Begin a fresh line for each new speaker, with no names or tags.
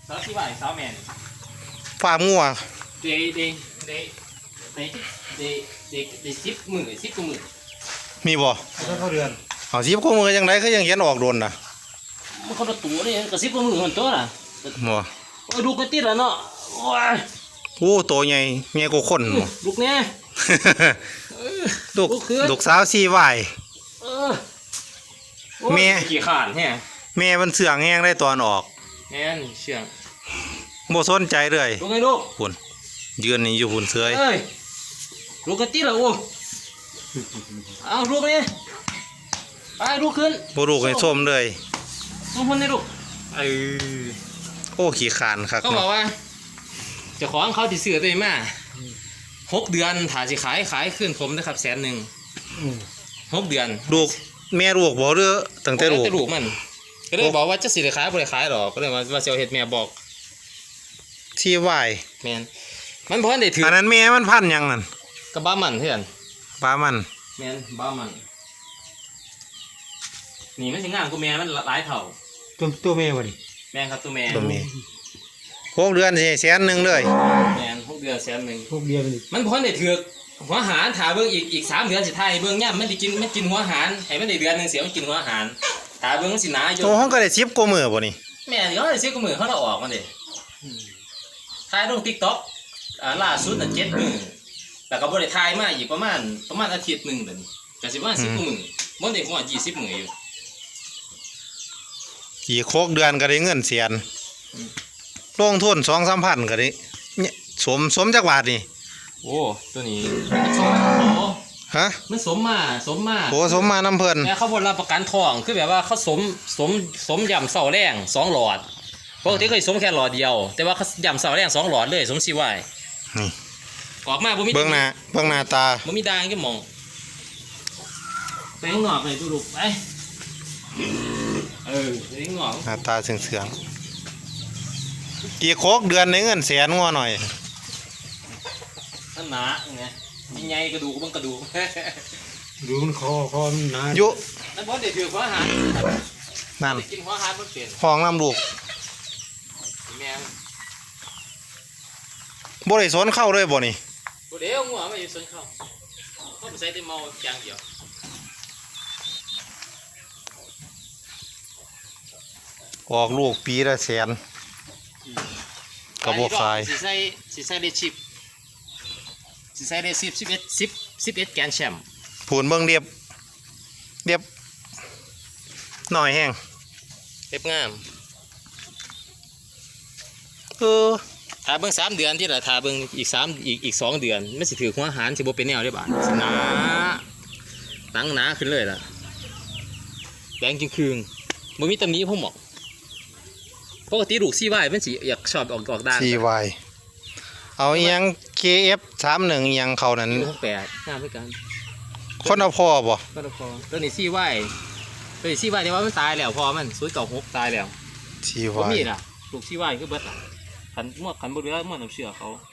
สาวที่ว่าสาวแมน
ฟาร์มงัว
เด็ก10 กว่ามื้อ
มีบ่
เข้าเดือน
เอา10 กว่ามื้อจังได๋คือยังเขียนออกโดนน่ะ
มันคนละตัวนี่ก็10 กว่ามื้อหั่นตัวน่ะ
บ่
ดูกันติดแล้วเนาะโอ้ย
โอ้ตัวใหญ่กว่าคนบ่
ลูกแน่
ลูกสาว4วายแม่
ขี้ขานแฮะ
แม่มันเสื่องแฮงได้ตอนออก
แม่นเชื่อง
บ่สนใจเลย
ลูกไงลูก
พุ่นยืนนี่อยู่พุ่นเสื้อย
เอ้ยลูกกันติดแล้วโอ้เอาลูกนี่ไปลูกขึ้น
บ่ลูกให้ส้มเลย
ส้มคนนี่ลูก
โอ้ขี้ขานครับ
เขาบอกว่าเจ้าของเขาที่ซื้อตัวมา6 เดือนถ้าสิขายขึ้นผมนะครับ100,000 6 เดือน
ลูกแม่ลูกบ่หรือตั้งแต่ลูก
มันก็เลยบอกว่าจะสิได้ขายบ่ได้ขายหรอกก็เลยว่าสิเอาเฮ็ดแม่บอก
ที่วาย
แม่นมันบ่ทันได้ถือ
อันนั้นแม่มันพันหยังนั่น
กระบ้ามันเพื่อน
บ้ามัน
แม่นบ้ามันนี่มันสิงามกว่าแม่มันหลายเท่า
ตัวแม่บ่ดิ
แม่ครับตัวแม่
6 เดือนสิ100,000เลย
แม่น6 เดือน100,000
6 เดือน
มันบ่ทันได้ถือหัวหารถ้าเบิ่งอีก3 เดือนสิทายเบิ่งย่ำมันสิกินหัวหารให้มันได้เดือนนึงเสียมันกินหัวหารถ้าเบิ่งมันสิหนาอยู่
โตเฮาก็ได้10 กว่ามื้อบ่นี่
แม่นเขาได้10 กว่ามื้อเขาเอาออกมันดิถ่ายลง TikTok ล่าสุดน่ะ7 มื้อแล้วก็บ่ได้ถ่ายมาอีกประมาณอาทิตย์นึงบัดนี้ก็สิประมาณ10 กว่ามื้อบ่ได้ฮอด20 มื้ออยู่
อีก6 เดือนก็ได้เงิน100,000ลงทุน 2-3 พันก็ได้สมจักบาทนี่
โอ้ตัวนี้สม
ฮะ
มันสมมา
โอ้สมมาน้ำเพิ่น
แต่เขาบ่รับประกันทองคือแบบว่าเขาสมย่ำเสาแรง2 หลอดปกติเคยสมแค่หลอดเดียวแต่ว่าเขาย่ำเสาแรง2 หลอดเลยสมสิไว้
นี่
ออกมาบ่มี
เบิ่งหน้าตา
บ่มีด่างก็มองไปข้างนอกเลยดูลูกไปไปข้างนอก
หน้าตาเสื่องกี่โคกเดือนในเงิน100,000งัวหน่อย
หนาไงมีไงกระดูกบ้างกระดูก
ดูมันคอมันหนา
ยุ
นั่นเพราะเด็กถือหัวอาหาร
นั่น
กินหัวอาหารมันเปลี่ยน
ห้องน้ำลูก
แม่
บ่ได้สนเข้าเลยบ่นี่
บ่เดี๋ยวหัวไม่สนเข้าเขาไปใส่แต่เมาอย่างเดียว
ออกลูกปีละ100,000ก็บ่ขาย
สิใส่ได้ชิปสิใส่ได้11แกนแชมป์
ผูนเบิ่งเรียบหน่อยแห้ง
เรียบงามถ้าเบิ่ง3 เดือนที่ละถ้าเบิ่งอีก2 เดือนมันสิถือหัวหารสิบ่เป็นแนวได้บาดสิหนาตั้งหนาขึ้นเลยล่ะแดงจึงคืงบ่มีตำหนิผมหรอกปกติลูก4 วายมันสิอยากชอบออกด้าน
4 วายเอาอีหยัง KF31 อีหยังเขานั้น
68งามคือกัน
คนเอาพ่อบ่
คนเอาพ่อตัวนี้4 วายตัวนี้4 วายแต่ว่ามันตายแล้วพอมัน096ตายแล้ว
4 วาย
บ่มีน่ะลูก4 วายคือเบิดขันบ่เหลือน้ำเชื่อเขา